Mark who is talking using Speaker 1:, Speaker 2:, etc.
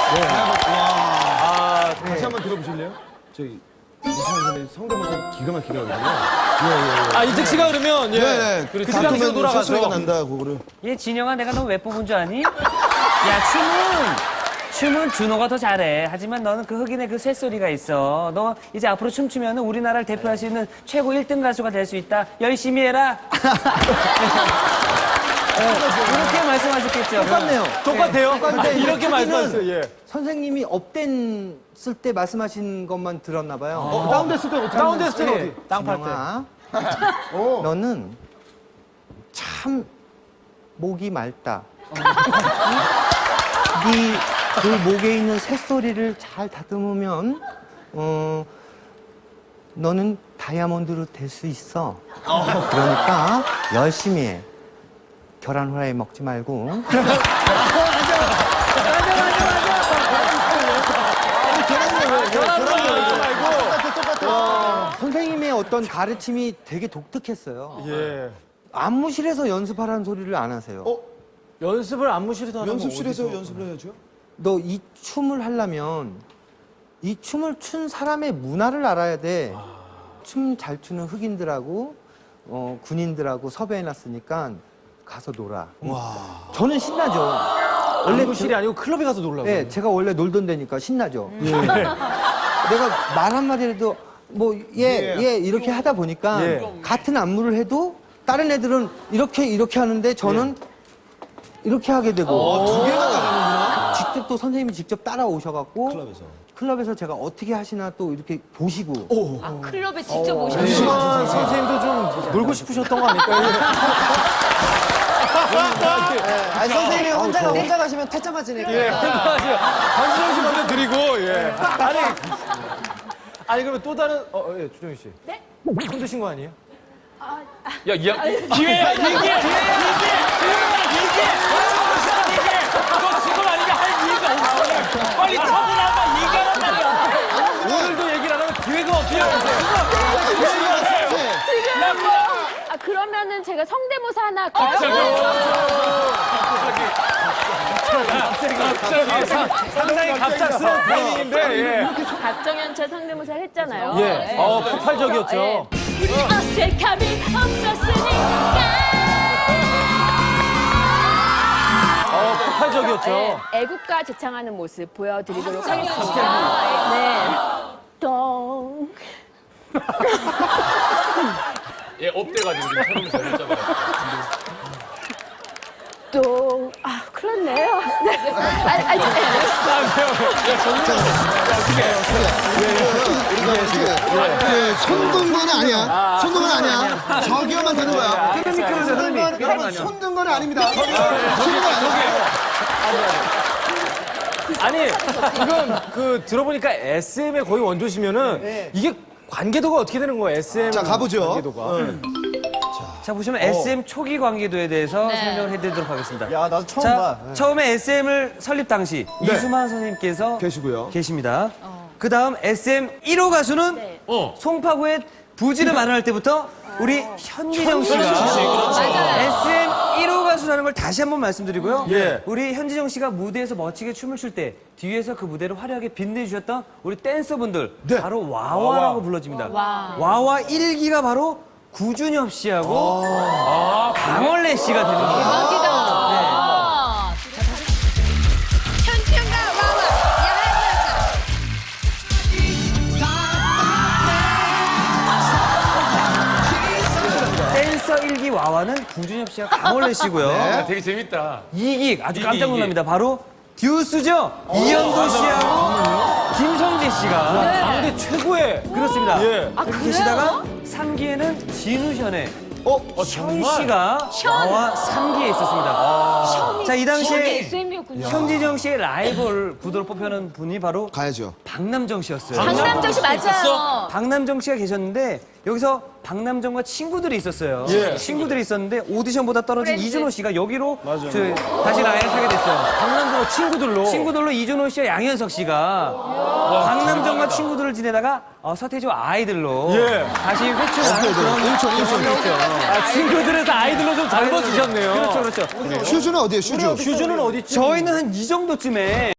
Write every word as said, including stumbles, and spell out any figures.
Speaker 1: 아, 다시 한번 들어보실래요? 저희 이찬원 선배님 성대모사 기가 막히게 하거든요.
Speaker 2: 아, 이택 씨가 그러면 예.
Speaker 3: 네,
Speaker 2: 그 당시로 돌아가서
Speaker 3: 소리가 난다 그거를.
Speaker 4: 얘 진영아, 내가 너 왜 뽑은 줄 아니? 야, 춤은 춤은 준호가 더 잘해. 하지만 너는 그 흑인의 그 쇳소리가 있어. 너 이제 앞으로 춤추면 우리나라를 대표할 수 있는 최고 일 등 가수가 될 수 있다. 열심히 해라. 네, 이렇게 말씀하셨겠죠.
Speaker 5: 똑같네요.
Speaker 2: 똑같아요.
Speaker 5: 똑같은데
Speaker 2: 아, 이렇게
Speaker 5: 자기는
Speaker 2: 말씀하셨어요. 예.
Speaker 5: 선생님이 업됐을 때 말씀하신 것만 들었나 봐요.
Speaker 1: 어, 다운됐을 때 어떻게
Speaker 2: 다운됐을 때는
Speaker 1: 어떻게?
Speaker 2: 어디? 땅 팔 때.
Speaker 5: 진영아, 너는 참 목이 맑다. 네 그 목에 있는 새소리를 잘 다듬으면 어, 너는 다이아몬드로 될 수 있어. 그러니까 열심히 해. 계란 후라이 먹지 말고. 선생님의 어떤 가르침이 되게 독특했어요.
Speaker 2: 예.
Speaker 5: 안무실에서 연습하라는 소리를 안 하세요.
Speaker 3: 어?
Speaker 2: 연습을 안무실에서 하는
Speaker 3: 연습실에서
Speaker 2: 건 어디서?
Speaker 3: 연습을 해야죠.
Speaker 5: 너 이 춤을 하려면 이 춤을 춘 사람의 문화를 알아야 돼. 춤 잘 추는 흑인들하고 어, 군인들하고 섭외해놨으니까 가서 놀아.
Speaker 3: 와.
Speaker 5: 저는 신나죠.
Speaker 2: 원래 안무실이 아니고 클럽에 가서 놀라고.
Speaker 5: 네, 제가 원래 놀던 데니까 신나죠. 내가 말 한마디라도 뭐, 예, 예, 이렇게 하다 보니까
Speaker 2: 예.
Speaker 5: 같은 안무를 해도 다른 애들은 이렇게, 이렇게 하는데 저는 이렇게 하게 되고.
Speaker 3: 두 개가 나가는구나.
Speaker 5: 직접 또 선생님이 직접 따라오셔갖고
Speaker 3: 클럽에서.
Speaker 5: 클럽에서 제가 어떻게 하시나 또 이렇게 보시고.
Speaker 6: 아, 클럽에 직접 오셨어요.
Speaker 2: 심한 선생님도 좀 놀고 싶으셨던 거 아닐까요?
Speaker 7: 아니 선생님이 혼자 혼자 가시면 퇴짜 맞으니까.
Speaker 2: 예, 한진영 씨 먼저 드리고, 예. 아니, 아니, 그러면 또 다른, 어, 어, 예, 주정희 씨.
Speaker 6: 네?
Speaker 2: 손 드신 거 아니에요?
Speaker 1: 야, 이 기회야, 기회, 기회, 기회, 기회, 기회. 너 지금 아니면 할 이유가 없어. 빨리 터져나와 얘기하란 말이야.
Speaker 2: 오늘도 얘기를 안 하면 기회가 없어요.
Speaker 6: 아, 그러면은 제가 성대모사 하나 할까요?
Speaker 2: 상당히 갑작스러운 타이밍인데, 예.
Speaker 6: 박정현철 성대모사 했잖아요.
Speaker 2: 예.
Speaker 6: 네.
Speaker 2: 어, 폭발적이었죠.
Speaker 6: 예. 우리 어색함이 없었으니까.
Speaker 2: 어, 폭발적이었죠.
Speaker 6: 네, 애국가 제창하는 모습 보여드리도록 하겠습니다. 네. 똥.
Speaker 1: 예, 업돼가지고 지금 촬영을 잘했잖아요.
Speaker 6: 똥. 아, 그렇네요. 네. 아니, 아니,
Speaker 3: 예, 손든 건 아니야. 손든 건 아니야. 저기요만 되는 거야. 손든 건, 여러분, 손든 건 아닙니다. 손든 건 아니에요.
Speaker 2: 아니, 지금 그 들어보니까 에스엠의 거의 원조시면은 이게 관계도가 어떻게 되는 거예요? 에스엠
Speaker 3: 자, 가보죠.
Speaker 2: 관계도가.
Speaker 4: 자, 보시면 에스엠 초기 관계도에 대해서 설명을 해드리도록 하겠습니다.
Speaker 7: 야 나도 처음
Speaker 4: 자,
Speaker 7: 봐.
Speaker 4: 처음에 에스엠을 설립 당시 이수만 선생님께서
Speaker 1: 계시고요.
Speaker 4: 계십니다. 그 다음 에스엠 일 호 가수는
Speaker 6: 네.
Speaker 1: 어.
Speaker 4: 송파구의 부지를 마련할 때부터 우리 현지정 씨가 에스엠 일 호 가수라는 걸 다시 한번 말씀드리고요.
Speaker 2: 예.
Speaker 4: 우리 현지정 씨가 무대에서 멋지게 춤을 출 때 뒤에서 그 무대를 화려하게 빛내주셨던 우리 댄서분들 바로 와와라고 불러집니다. 와와 일 기가 바로 구준엽 씨하고 강원래 씨가 되는 거예요.
Speaker 6: 대박이다.
Speaker 8: 현지영과 와와 야한
Speaker 4: 댄서 일 기 와와는 구준엽 씨와 강원래 씨고요.
Speaker 1: 아, 되게 재밌다.
Speaker 4: 이 기 아주
Speaker 1: 이 기,
Speaker 4: 깜짝
Speaker 1: 이 기.
Speaker 4: 놀랍니다. 바로 듀스죠. 이현도 씨하고 김성재 씨가
Speaker 2: 강대 최고의.
Speaker 4: 그렇습니다.
Speaker 2: 예.
Speaker 6: 아,
Speaker 4: 그렇게
Speaker 6: 그래요?
Speaker 4: 계시다가 삼 기에는 진우션의
Speaker 2: 어,
Speaker 4: 현
Speaker 2: 정말?
Speaker 4: 씨가 와와 삼 기에 있었습니다. 자, 이 당시에
Speaker 6: 에스엠이었군요.
Speaker 4: 현지정 씨의 라이벌 구도로 뽑혀는 분이 바로
Speaker 3: 가야죠.
Speaker 4: 박남정 씨였어요.
Speaker 6: 박남정 씨 맞아요.
Speaker 4: 박남정 씨가 계셨는데 여기서 박남정과 친구들이 있었어요.
Speaker 2: 예.
Speaker 4: 친구들이 있었는데 오디션보다 떨어진
Speaker 6: 프렌즈.
Speaker 4: 이준호 씨가 여기로 저, 다시 라인을 타게 됐어요.
Speaker 2: 박남정과 친구들로.
Speaker 4: 친구들로 이준호 씨와 양현석 씨가 박남정과 친구들을 지내다가 어, 서태지와 아이들로
Speaker 2: 예.
Speaker 4: 다시 회춘한 그런
Speaker 3: 일촌, 일촌.
Speaker 4: 있죠.
Speaker 2: 아, 친구들에서 아이들로 좀 젊어지셨네요.
Speaker 4: 그렇죠, 그렇죠.
Speaker 3: 슈즈는 어디에요, 슈즈?
Speaker 2: 슈즈는 어디 있죠?
Speaker 4: 저희는 한 이 정도쯤에